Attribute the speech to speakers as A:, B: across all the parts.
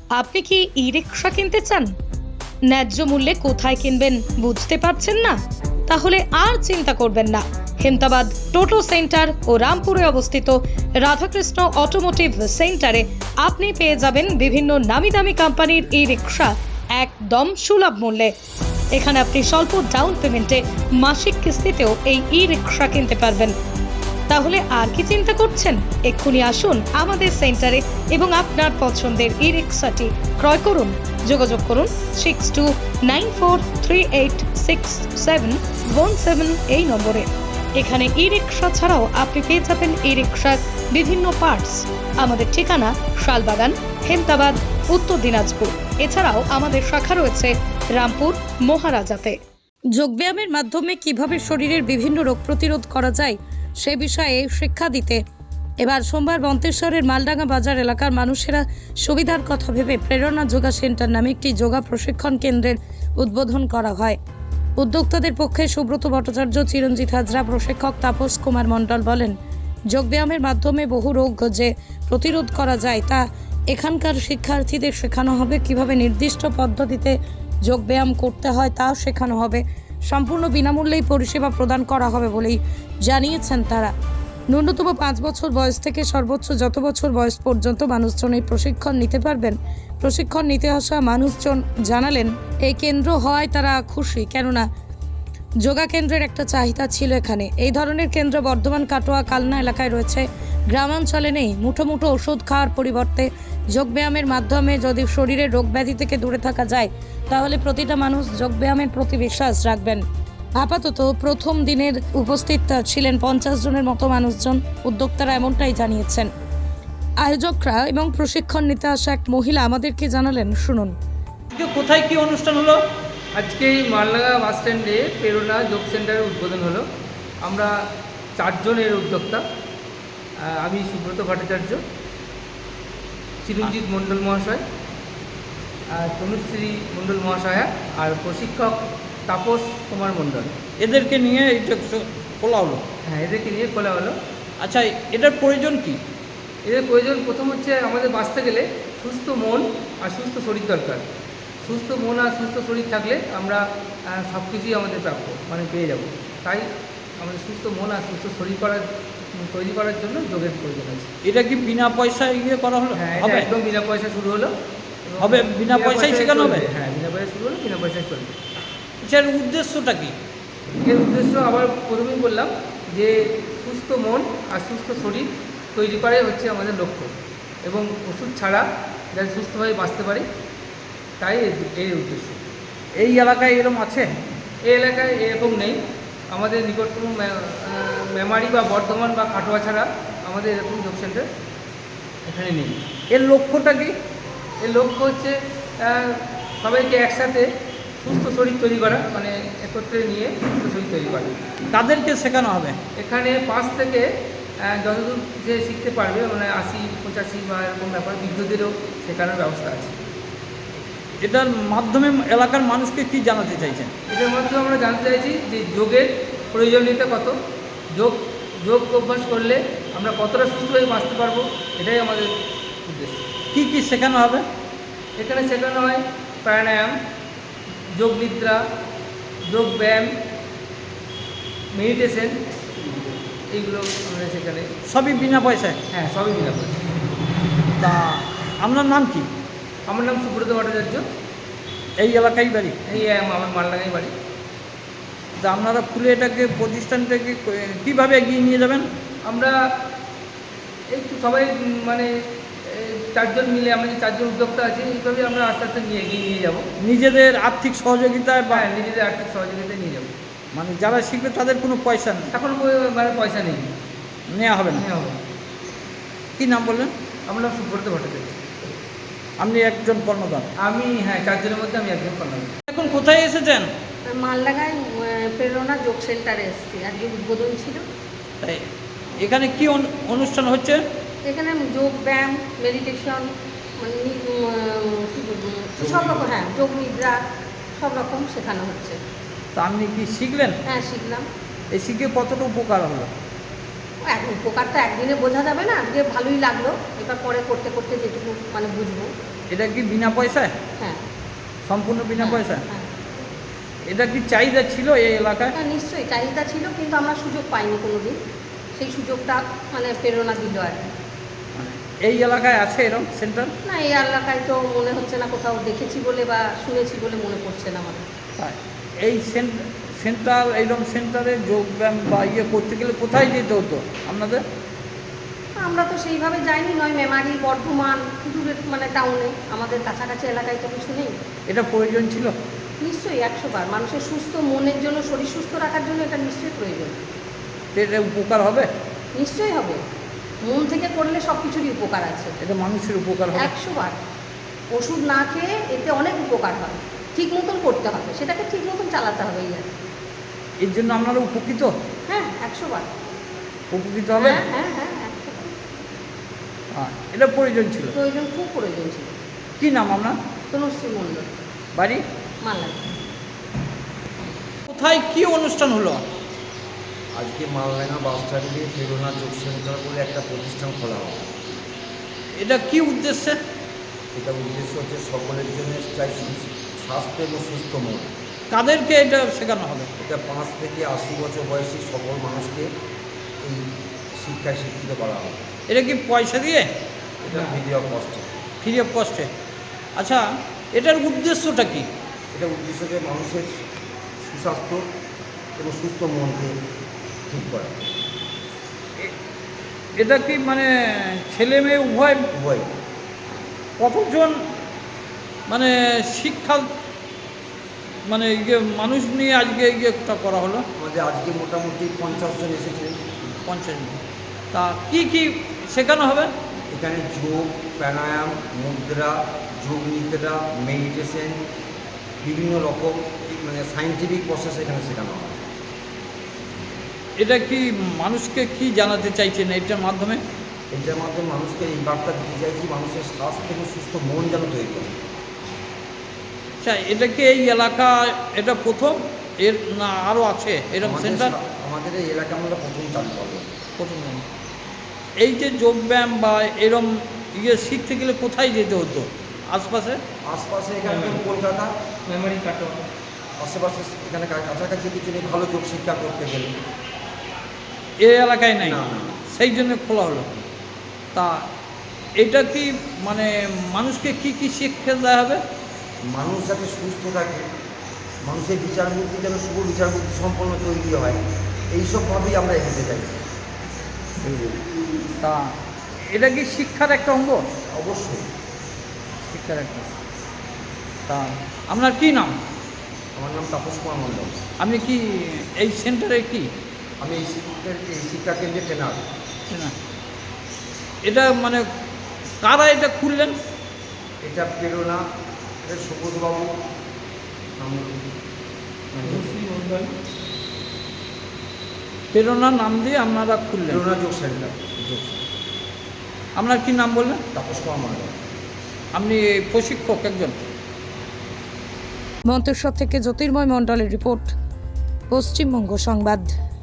A: আপনি কি ই-রিকশা কিনতে চান? ন্যায্য মূল্যে কোথায় কিনবেন বুঝতে পারছেন না? তাহলে আর চিন্তা করবেন না। হেমতাবাদ টোটো সেন্টার ও রামপুরে অবস্থিত রাধাকৃষ্ণ অটোমোটিভ সেন্টারে আপনি পেয়ে যাবেন বিভিন্ন নামি দামি কোম্পানির ই-রিকশা একদম সুলভ মূল্যে। এখানে আপনি স্বল্প ডাউন পেমেন্টে মাসিক কিস্তিতেও এই ই-রিকশা কিনতে পারবেন। তাহলে আর কি চিন্তা করছেন? এক্ষুনি আসুন আমাদের সেন্টারে এবং আপনার পছন্দের ই-রিকশাটি ক্রয় করুন। যোগাযোগ করুন 6294386717 এই নম্বরে। এখানে ই-রিকশা ছাড়াও আপনি পেয়ে যাবেন ই-রিকশার বিভিন্ন পার্টস। আমাদের ঠিকানা শালবাগান, হেমতাবাদ, উত্তর দিনাজপুর। এছাড়াও আমাদের শাখা রয়েছে রামপুর, মহারাজাতে। যোগব্যায়ামের মাধ্যমে কিভাবে শরীরের বিভিন্ন রোগ প্রতিরোধ করা যায় সে বিষয়ে শিক্ষা দিতে এবার সোমবার মন্তেশ্বরের মালডাঙ্গা বাজার এলাকার মানুষেরা সুবিধার কথা ভেবে প্রেরণা যোগা সেন্টার নামে একটি যোগা প্রশিক্ষণ কেন্দ্রের উদ্বোধন করা হয়। উদ্যোক্তাদের পক্ষে সুব্রত ভট্টাচার্য, চিরঞ্জিত হাজরা, প্রশিক্ষক তাপস কুমার মণ্ডল বলেন, যোগব্যায়ামের মাধ্যমে বহু রোগ যে প্রতিরোধ করা যায় তা এখানকার শিক্ষার্থীদের শেখানো হবে। কিভাবে নির্দিষ্ট পদ্ধতিতে যোগব্যায়াম করতে হয় তাও শেখানো হবে। সম্পূর্ণ বিনামূল্যেই পরিষেবা প্রদান করা হবে বলেই জানিয়েছেন তারা। ন্যূনতম 5 বছর বয়স থেকে সর্বোচ্চ যত বছর বয়স পর্যন্ত মানুষজন এই প্রশিক্ষণ নিতে পারবেন। প্রশিক্ষণ নিতে আসা মানুষজন জানালেন এই কেন্দ্র হওয়ায় তারা খুশি, কেননা যোগা কেন্দ্রের একটা চাহিদা ছিল এখানে। এই ধরনের কেন্দ্র বর্ধমান, কাটোয়া, কালনা এলাকায় রয়েছে, গ্রামাঞ্চলে নেই। মুঠো মুঠো ওষুধ খাওয়ার পরিবর্তে যোগব্যায়ামের মাধ্যমে যদি শরীরের রোগ ব্যাধি থেকে দূরে থাকা যায় তাহলে প্রতিটা মানুষ যোগব্যায়ামের প্রতি বিশ্বাস রাখবেন। আপাতত প্রথম দিনের উপস্থিত ছিলেন 50 জনের মতো মানুষজন। উদ্যোক্তারা এমনটাই জানিয়েছেন। আয়োজকরা এবং প্রশিক্ষণ নিতে আসা এক মহিলা আমাদেরকে জানালেন, শুনুন।
B: কোথায় কি অনুষ্ঠান হলো?
C: আজকে এই মালডাঙ্গা বাস স্ট্যান্ডে প্রেরণা যোগ সেন্টারের উদ্বোধন হলো। আমরা 4 জনের উদ্যোক্তা। আমি সুব্রত ভট্টাচার্য, চিরঞ্জিত মণ্ডল মহাশয়, তনুশ্রী মণ্ডল মহাশয়া আর প্রশিক্ষক তাপস কুমার মণ্ডল।
B: এদেরকে নিয়ে এটা খোলা হলো?
C: হ্যাঁ, এদেরকে নিয়ে খোলা হলো।
B: আচ্ছা, এটার প্রয়োজন কি?
C: এদের প্রয়োজন প্রথম হচ্ছে আমাদের বাঁচতে গেলে সুস্থ মন আর সুস্থ শরীর দরকার। সুস্থ মন আর সুস্থ শরীর থাকলে আমরা সব কিছুই আমাদের প্রাপ্য পেয়ে যাব। তাই আমাদের সুস্থ মন আর সুস্থ শরীর তৈরি করার জন্য যোগের প্রয়োজন আছে।
B: এটা কি বিনা পয়সায় করা হলো?
C: হ্যাঁ, এটা একদম বিনা পয়সা শুরু হলো।
B: হবে বিনা পয়সায় শেখানো হবে?
C: হ্যাঁ, বিনা পয়সায় শুরু হলো, বিনা পয়সায় চলবে।
B: এর উদ্দেশ্যটা কি?
C: এর উদ্দেশ্য আবার প্রথমেই বললাম যে সুস্থ মন আর সুস্থ শরীর তৈরি করাই হচ্ছে আমাদের লক্ষ্য, এবং ওষুধ ছাড়া যাতে সুস্থভাবে বাঁচতে পারি, তাই এই উদ্দেশ্য।
B: এই এলাকায় এরকম আছে?
C: এই এলাকায় এরকম নেই। আমাদের নিকটতম মেমারি বা বর্ধমান বা কাটোয়া ছাড়া আমাদের এরকম যোগ সেন্টার এখানে নেই।
B: এর লক্ষ্যটা কি?
C: এর লক্ষ্য হচ্ছে সবাইকে একসাথে সুস্থ শরীর তৈরি করা, একত্রে নিয়ে সুস্থ শরীর তৈরি করা।
B: তাদেরকে শেখানো হবে?
C: এখানে 5 থেকে যতদূর যে শিখতে পারবে, 80, 85 বা এরকম ব্যাপার, বৃদ্ধদেরও শেখানোর ব্যবস্থা আছে।
B: এটার মাধ্যমে এলাকার মানুষকে কি জানাতে চাইছেন?
C: এটার মাধ্যমে আমরা জানতে চাইছি যে যোগের প্রয়োজনীয়তা কত, যোগ অভ্যাস করলে আমরা কতটা সুস্থভাবে বাঁচতে পারবো, এটাই আমাদের উদ্দেশ্য।
B: কি কি শেখানো হবে?
C: এখানে শেখানো হয় প্রাণায়াম, যোগ নিদ্রা, যোগ ব্যায়াম, মেডিটেশন, এইগুলো আমরা সেখানে।
B: সবই বিনা পয়সায়?
C: হ্যাঁ, সবই বিনা পয়সা।
B: তা আপনার নাম কি?
C: আমার নাম সুব্রত ভট্টাচার্য।
B: এই এলাকায় বাড়ি?
C: এই আমার মালডাঙ্গায় বাড়ি।
B: তা আপনারা খুলে এটাকে প্রতিষ্ঠানটাকে কীভাবে এগিয়ে নিয়ে যাবেন?
C: আমরা একটু সবাই 4 জন মিলে, আমরা যে 4 জন উদ্যোক্তা আছি, এইভাবে আমরা আস্তে আস্তে এগিয়ে নিয়ে যাব।
B: নিজেদের আর্থিক সহযোগিতায় বা
C: নিজেদের আর্থিক সহযোগিতায় নিয়ে যাব।
B: যারা শিখবে তাদের কোনো পয়সা নেই?
C: এখন পয়সা নেই,
B: নেওয়া হবে না?
C: নেওয়া হবে।
B: কী নাম বললেন?
C: আমার নাম সুব্রত ভট্টাচার্য।
B: আপনি একজন কর্মদান?
C: আমি, হ্যাঁ, 4 জনের মধ্যে আমি একজন কর্মদান।
B: এখন কোথায় এসেছেন?
D: মালডাঙ্গায় প্রেরণা যোগ সেন্টারে এসেছি, আজকে উদ্বোধন ছিল।
B: তাই এখানে কি অনুষ্ঠান হচ্ছে?
D: এখানে যোগ ব্যায়াম, মেডিটেশন, সব রকম, হ্যাঁ, যোগ নিদ্রা সব রকম শেখানো হচ্ছে।
B: তা আপনি কি শিখলেন?
D: হ্যাঁ, শিখলাম।
B: এই শিখে কতটা উপকার হলো?
D: উপকারটা একদিনে বোঝা যাবে না, আজকে ভালোই লাগলো, এবার পরে করতে করতে যেটুকু বুঝবো।
B: এটা কি বিনা পয়সায়,
D: হ্যাঁ
B: সম্পূর্ণ বিনা পয়সায়?
D: হ্যাঁ
B: এটা কি চাহিদা ছিল এই এলাকায়?
D: হ্যাঁ, নিশ্চয়ই চাহিদা ছিল, কিন্তু আমরা সুযোগ পাইনি কোনোদিন। সেই সুযোগটা মানে প্রেরণা দিল আর কি।
B: মানে এই এলাকায় আছে এরকম সেন্টার?
D: না, এই এলাকায় তো মনে হচ্ছে না, কোথাও দেখেছি বলে বা শুনেছি বলে মনে পড়ছে না আমার।
B: তাই এই সেন্টার, এইরকম সেন্টারে যোগব্যায়াম বা ইয়ে করতে গেলে কোথায় যেতে হতো আপনাদের?
D: আমরা তো সেইভাবে যাইনি, নয় মেমারি, বর্ধমান, দূরের মানে টাউনে, আমাদের কাছাকাছি এলাকায় তো কিছু নেই।
B: এটা প্রয়োজন ছিল?
D: নিশ্চয়ই 100 বার। মানুষের সুস্থ মনের জন্য, শরীর সুস্থ রাখার জন্য এটা নিশ্চয়ই প্রয়োজন।
B: এটা উপকার হবে?
D: নিশ্চয়ই হবে, মন থেকে করলে সব কিছুরই উপকার আছে।
B: এটা মানুষের উপকার হবে?
D: 100 বার। ওষুধ না খেয়ে এতে অনেক উপকার হয়। ঠিক মতন করতে হবে, সেটাকে ঠিক মতন চালাতে হবে এই আর কি।
B: এর জন্য আপনারা উপকৃত?
D: হ্যাঁ, 100 বার।
B: উপকৃত হবে?
D: হ্যাঁ হ্যাঁ হ্যাঁ 100 বার।
B: এটা প্রয়োজন ছিল?
D: প্রয়োজন, খুব প্রয়োজন ছিল।
B: কি নাম আপনার?
D: তনুশ্রী মণ্ডল,
B: বাড়ি?
D: মালদা।
B: কোথায় কি অনুষ্ঠান হলো?
E: আজকে মালডাঙ্গা বাস স্ট্যান্ডে প্রেরণা যোগ সেন্টার বলে একটা প্রতিষ্ঠান খোলা হবে।
B: এটা কি উদ্দেশ্যে?
E: এটা উদ্দেশ্য হচ্ছে সকলের জন্য চাই স্বাস্থ্য এবং সুস্থ মন।
B: কাদেরকে এটা শেখানো হবে?
E: এটা 5 থেকে 80 বছর বয়সী সকল মানুষকে এই শিক্ষায় শিক্ষিত করা হবে।
B: এটা কি পয়সা দিয়ে?
E: এটা ফ্রি অফ কস্টে।
B: ফ্রি অফ কস্টে? আচ্ছা, এটার উদ্দেশ্যটা কি?
E: এটা উদ্দেশ্য যে মানুষের সুস্বাস্থ্য এবং সুস্থ মনকে ঠিক করা।
B: এটা কি মানে ছেলে মেয়ে উভয়?
E: উভয়।
B: কতজন মানে শিক্ষা মানে ইয়ে মানুষ নিয়ে আজকে ইয়েটা করা হলো?
E: আমাদের আজকে মোটামুটি 50 জন এসেছিলেন।
B: 50 জন। তা কি কি শেখানো হবে?
E: এখানে যোগ, প্রাণায়াম, মুদ্রা, যোগ নিদ্রা, মেডিটেশন, বিভিন্ন রকম মানে সায়েন্টিফিক প্রসেস এখানে শেখানো হয়।
B: এটা কি মানুষকে কি জানাতে চাইছেন এটার মাধ্যমে?
E: এটার মাধ্যমে মানুষকে এই বার্তা দিতে চাইছি, মানুষের স্বাস্থ্য এবং সুস্থ মন যেন তৈরি করে।
B: আচ্ছা, এটা কি এই এলাকা এটা প্রথম এর না আরও আছে এরকম সেন্টার?
E: আমাদের এই এলাকা আমরা প্রথম চালু করবো।
B: প্রথম। এই যে যোগব্যায়াম বা এরম ইয়ে শিখতে গেলে কোথায় যেতে হতো? আশপাশে
E: এখানে কলকাতা,
C: মেমারি, কাটোয়া,
E: আশেপাশে এখানে কাছাকাছি কিছু নেই ভালো যোগ শিক্ষা করতে গেলে।
B: এই এলাকায় নাই,
E: না, না।
B: সেই জন্য খোলা হলো। তা এটা কি মানে মানুষকে কি কি শিক্ষা দেওয়া হবে?
E: মানুষ যাতে সুস্থ থাকে, মানুষের বিচার বুদ্ধি যেন শুভ বিচার বুদ্ধি সম্পন্ন তৈরি হয়, এইসবভাবেই আমরা এগোতে চাইছি।
B: তা এটা কি শিক্ষার একটা অঙ্গ?
E: অবশ্যই।
B: শিক্ষার একটা। তা আপনার কি নাম?
E: আমার নাম তাপস কুমার মণ্ডল।
B: আপনি কি এই সেন্টারে কি?
E: আমি এই শিক্ষা কেন্দ্রে ট্রেনার।
B: না, এটা মানে কারা এটা খুললেন?
E: এটা প্রেরণা, এটা সুবোধবাবু
B: প্রেরণা নাম দিয়ে আপনারা খুললেন?
E: প্রেরণা যোগ সেন্টার।
B: আপনার কি নাম বললেন?
E: তাপস কুমার মণ্ডল।
B: আপনি প্রশিক্ষক একজন?
A: মন্তেশ্বর থেকে জ্যোতির্ময় মণ্ডলের রিপোর্ট, পশ্চিমবঙ্গ সংবাদ।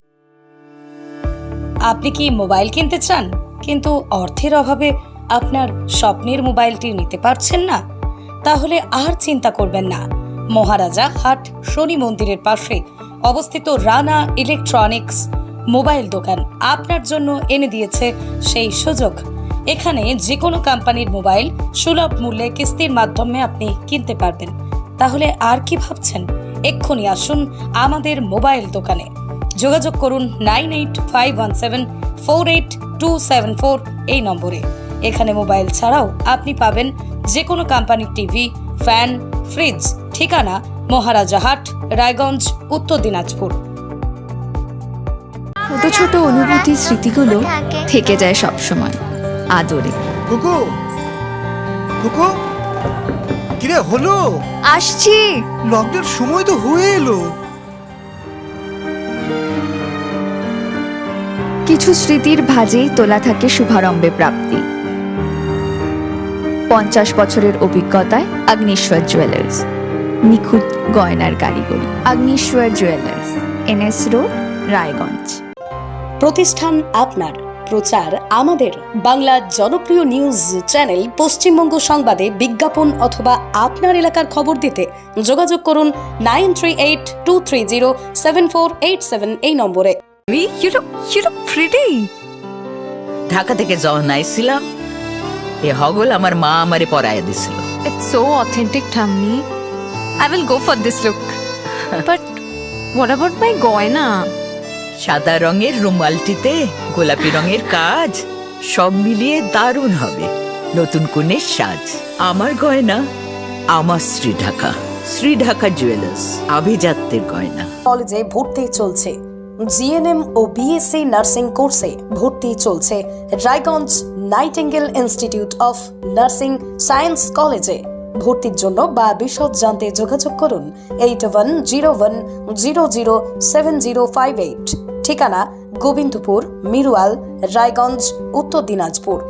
A: আপনি কি মোবাইল কিনতে চান কিন্তু অর্থের অভাবে আপনার স্বপ্নের মোবাইলটি নিতে পারছেন না? তাহলে আর চিন্তা করবেন না। মহারাজা হাট শনি মন্দিরের পাশে অবস্থিত রানা ইলেকট্রনিক্স মোবাইল দোকান আপনার জন্য এনে দিয়েছে সেই সুযোগ। এখানে যে কোনো কোম্পানির মোবাইল সুলভ মূল্যে কিস্তির মাধ্যমে আপনি কিনতে পারবেন। তাহলে আর কি ভাবছেন? এক্ষুনি আসুন আমাদের মোবাইল দোকানে। যোগাযোগ করুন 9851748274 এই নম্বরে। এখানে মোবাইল ছাড়াও আপনি পাবেন যে কোনো কোম্পানির টিভি, ফ্যান, ফ্রিজ। ঠিকানা মহারাজা হাট, রায়গঞ্জ, উত্তর দিনাজপুর।
F: ছোট ছোট অনুভূতি, স্মৃতিগুলো থেকে যায় সব সময় আদরে।
G: কুকু কুকু কিরে হলো?
F: আসছি।
G: লকডাউন সময় তো হয়ে এলো।
F: কিছু স্মৃতির ভাজেই তোলা থাকে শুভারম্ভে প্রাপ্তি। 50 বছরের অভিজ্ঞতায় আগ্নেশ্বর জুয়েলার্স, নিখুঁত গয়নার কারিগরি। Agneshwar jewellers, NS road, Raiganj.
A: প্রতিষ্ঠান আপনার, প্রচার আমাদের বাংলা জনপ্রিয় নিউজ চ্যানেল পশ্চিমবঙ্গ সংবাদে বিজ্ঞাপন অথবা আপনার এলাকার খবর দিতে যোগাযোগ করুন 9382307487 এই নম্বরে।
F: You look pretty.
H: ঢাকা থেকে যখন আইছিলাম এ হগল আমার মা আমারে পরাইয়া দিছিল।
F: It's so authentic, Thammi. I will go for this look. But what about my goina?
H: সাদা রঙের রুমালটিতে গোলাপি রঙের কাজ, সব মিলিয়ে দারুণ হবে নতুন কনের সাজ। আমার গয়না আমার শ্রী ঢাকা জুয়েলার্স, আভিজাত্যের গয়না।
A: কলেজে ভর্তি চলছে, জিএনএম ও বিএসসি নার্সিং কোর্সে ভর্তি চলছে Raiganj Nightingale institute of nursing science কলেজে। ভর্তির জন্য বা বিশদ জানতে যোগাযোগ করুন 8101007058। ঠিকানা গোবিন্দপুর, মিরুয়াল, রায়গঞ্জ, উত্তর দিনাজপুর।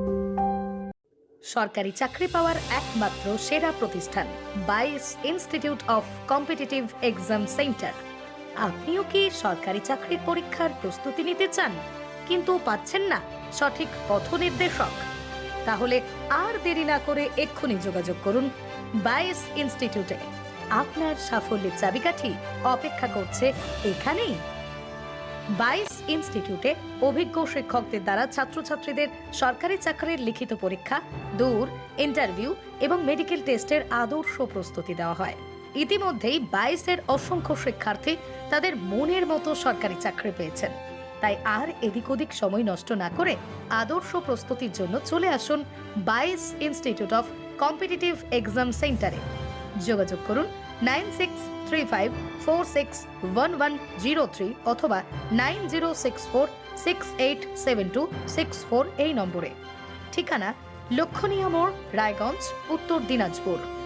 A: সরকারি চাকরি পাওয়ার একমাত্র সেরা প্রতিষ্ঠান 22 institute of competitive exam centre. আপনিও কি সরকারি চাকরির পরীক্ষার প্রস্তুতি নিতে চান কিন্তু পাচ্ছেন না সঠিক পথ নির্দেশক? তাহলে আর দেরি না করে এক্ষুনি যোগাযোগ করুন 22 ইনস্টিটিউটে। আপনার সাফল্যের চাবিকাঠি অপেক্ষা করছে এখানেই। 22 ইনস্টিটিউটে অভিজ্ঞ শিক্ষকদের দ্বারা ছাত্রছাত্রীদের সরকারি চাকরির লিখিত পরীক্ষা, দূর, ইন্টারভিউ এবং মেডিকেল টেস্টের আদর্শ প্রস্তুতি দেওয়া হয়। ইতিমধ্যেই 22-এর অসংখ্য শিক্ষার্থী তাদের মনের মতো সরকারি চাকরি পেয়েছেন। তাই আর এদিক ওদিক সময় নষ্ট না করে আদর্শ প্রস্তুতির জন্য চলে আসুন 22 ইনস্টিটিউট অফ কম্পিটিটিভ এক্সাম সেন্টারে। যোগাযোগ করুন 9635461103 অথবা 9064687264 এই নম্বরে। ঠিকানা লক্ষণীয় মোড়, রায়গঞ্জ, উত্তর দিনাজপুর।